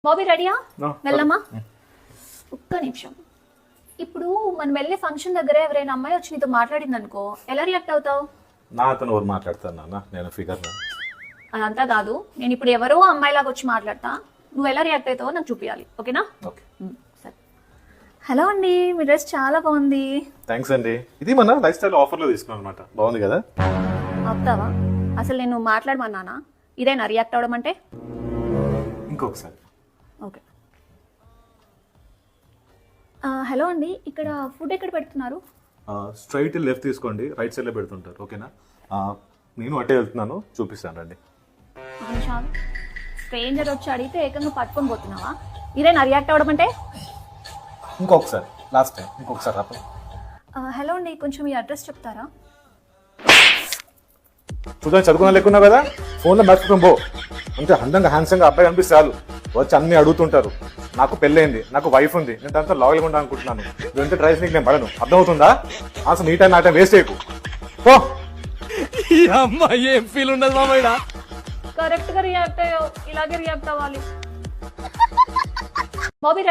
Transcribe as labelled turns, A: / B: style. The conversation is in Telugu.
A: బాబీ రెడీయా?
B: No.
A: వెళ్ళమ్మా. ఒక్క నిమిషం. ఇప్పుడు మనం వెళ్ళే ఫంక్షన్ దగ్గర ఎవరైనా అమ్మాయి వచ్చి నీతో మాట్లాడింది అనుకో, ఎలా రియాక్ట్ అవుతావు?
B: నా అతను ఎవరు మాట్లాడతాను నాన్న, నేను ఫిగర్.
A: అదంతా కాదు, నేను ఇప్పుడు ఎవరో అమ్మాయిలాగా వచ్చి మాట్లాడతా, నువ్వు ఎలా రియాక్ట్ అవుతావో నాకు చూపించాలి, ఓకేనా?
B: ఓకే,
A: సరే. హలో అండి, మీ డ్రెస్ చాలా బాగుంది.
B: థ్యాంక్స్ అండి. ఇది మన లైఫ్ స్టైల్ ఆఫర్లో తీసుకున్నాను అనమాట. బాగుంది కదా?
A: అవుతావా? అసలు నేను మాట్లాడమన్నానా? ఇదేనా రియాక్ట్ అవడం అంటే?
B: ఇంకొకసారి.
A: ఓకే. హలో అండి, ఇక్కడ ఫుడ్ ఎక్కడ పెడుతున్నారు?
B: స్ట్రైట్ లెఫ్ట్ తీసుకోండి, రైట్ సైడ్లో పెడుతుంటారు, ఓకేనా? నేను అటే వెళ్తున్నాను, చూపిస్తాను రండి.
A: స్ట్రేంజర్ వచ్చి అడిగితే ఏకంగా పట్టుకొని పోతున్నావా? ఇదేనా రియాక్ట్ అవడం అంటే?
B: ఇంకొకసారి, లాస్ట్ టైం, ఇంకొకసారి రాప.
A: హలో అండి, కొంచెం మీ అడ్రస్ చెప్తారా?
B: చూద్దాం, చదువుకున్నా లేకున్నావు కదా, ఫోన్లో మర్చిపోయి పో. అంతే అందంగా హ్యాండ్సంగా అబ్బాయి కనిపిస్తే చాలు, వచ్చి అన్ని అడుగుతుంటారు. నాకు పెళ్ళైంది, నాకు వైఫ్ ఉంది, నేను దాంతో లాయల్గా ఉండాలి అనుకుంటున్నాను. నువ్వు ఎంత డ్రైస్ నీకు నేను పడను, అర్థమవుతుందా? అసలు నీ టైం నా టైం వేస్ట్ చేయకు. పో.
C: ఏం ఫీల్ ఉండదు మామయ్య.
A: కరెక్ట్ గా రియాక్ట్ అయ్యావు, ఇలాగే రియాక్ట్ అవ్వాలి. బాబీ